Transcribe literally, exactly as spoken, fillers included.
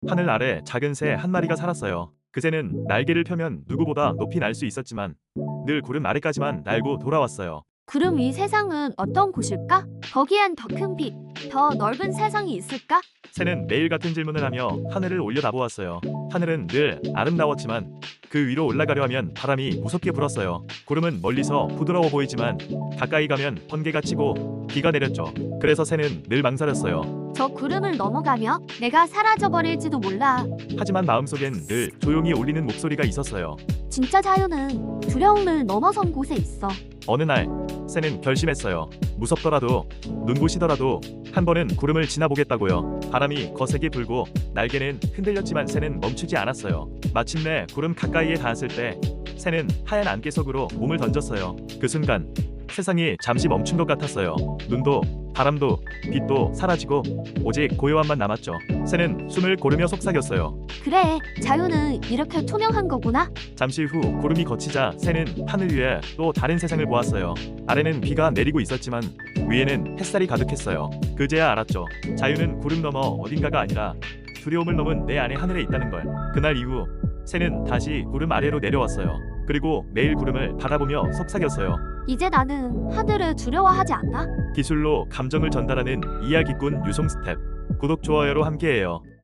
하늘 아래 작은 새 한 마리가 살았어요. 그 새는 날개를 펴면 누구보다 높이 날 수 있었지만 늘 구름 아래까지만 날고 돌아왔어요. 구름 위 세상은 어떤 곳일까? 거기엔 더 큰 빛, 더 넓은 세상이 있을까? 새는 매일 같은 질문을 하며 하늘을 올려다보았어요. 하늘은 늘 아름다웠지만 그 위로 올라가려 하면 바람이 무섭게 불었어요. 구름은 멀리서 부드러워 보이지만 가까이 가면 번개가 치고 비가 내렸죠. 그래서 새는 늘 망설였어요. 저 구름을 넘어가며 내가 사라져버릴지도 몰라. 하지만 마음속엔 늘 조용히 울리는 목소리가 있었어요. 진짜 자유는 두려움을 넘어선 곳에 있어. 어느 날 새는 결심했어요. 무섭더라도 눈부시더라도 한 번은 구름을 지나보겠다고요. 바람이 거세게 불고 날개는 흔들렸지만 새는 멈추지 않았어요. 마침내 구름 가까이에 닿았을 때 새는 하얀 안개석으로 몸을 던졌어요. 그 순간 세상이 잠시 멈춘 것 같았어요. 눈도 바람도 빛도 사라지고 오직 고요함만 남았죠. 새는 숨을 고르며 속삭였어요. 그래, 자유는 이렇게 투명한 거구나. 잠시 후 구름이 걷히자 새는 하늘 위에 또 다른 세상을 보았어요. 아래는 비가 내리고 있었지만 위에는 햇살이 가득했어요. 그제야 알았죠. 자유는 구름 너머 어딘가가 아니라 두려움을 넘은 내 안의 하늘에 있다는 걸. 그날 이후 새는 다시 구름 아래로 내려왔어요. 그리고 매일 구름을 바라보며 속삭였어요. 이제 나는 하늘을 두려워하지 않아. 기술로 감정을 전달하는 이야기꾼 유송 스텝. 구독 좋아요로 함께해요.